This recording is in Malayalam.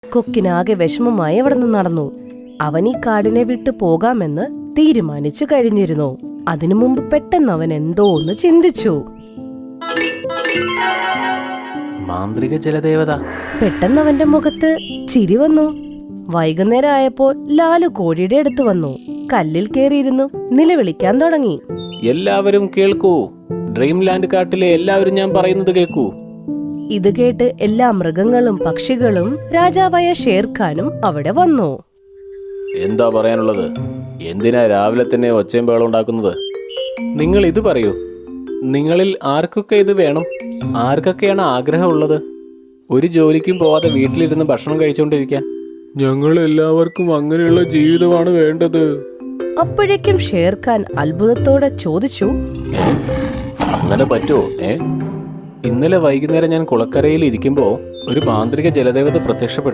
കൊക്കിനാകെ വിഷമമായി അവിടെ നിന്ന് നടന്നു. അവൻ ഈ കാടിനെ വിട്ടു പോകാമെന്ന് തീരുമാനിച്ചു കഴിഞ്ഞിരുന്നു. അതിനു മുമ്പ് പെട്ടെന്ന് അവൻ എന്തോ ഒന്ന് ചിന്തിച്ചു. മാന്ത്രിക ജലദേവത. പെട്ടെന്ന് അവന്റെ മുഖത്ത് ചിരി വന്നു. വൈകുന്നേരം ആയപ്പോൾ ലാലു കോഴിയുടെ അടുത്ത് വന്നു. കല്ലിൽ കയറിയിരുന്നു നിലവിളിക്കാൻ തുടങ്ങി. എല്ലാവരും കേൾക്കൂ, ഡ്രീംലാൻഡ് കാട്ടിലെ എല്ലാവരും ഞാൻ പറയുന്നത് കേൾക്കൂ. ഇത് കേട്ട് എല്ലാ മൃഗങ്ങളും പക്ഷികളും രാജാവായ ഷേർഖാനും അവിടെ വന്നു. എന്താ പറയാനുള്ളത്? എന്തിനാ രാവിലെ തന്നെ ഒച്ചയും ബഹളം ഉണ്ടാക്കുന്നത്? നിങ്ങൾ ഇത് പറയൂ, നിങ്ങളിൽ ആർക്കൊക്കെ ഇത് വേണം? ആർക്കൊക്കെയാണ് ആഗ്രഹമുള്ളത് ഒരു ജോലിക്കും പോവാതെ വീട്ടിലിരുന്ന് ഭക്ഷണം കഴിച്ചുകൊണ്ടിരിക്കാൻ? ഞങ്ങൾ എല്ലാവർക്കും അങ്ങനെയുള്ള ജീവിതമാണ് വേണ്ടത്. അപ്പോഴേക്കും ഷേർഖാൻ അത്ഭുതത്തോടെ ചോദിച്ചു, അങ്ങനെ പറ്റുമോ? ഇന്നലെ വൈകുന്നേരം ഞാൻ കുളക്കരയിൽ ഇരിക്കുമ്പോൾ ഒരു മാന്ത്രിക ജലദേവത പ്രത്യക്ഷപ്പെട്ടു.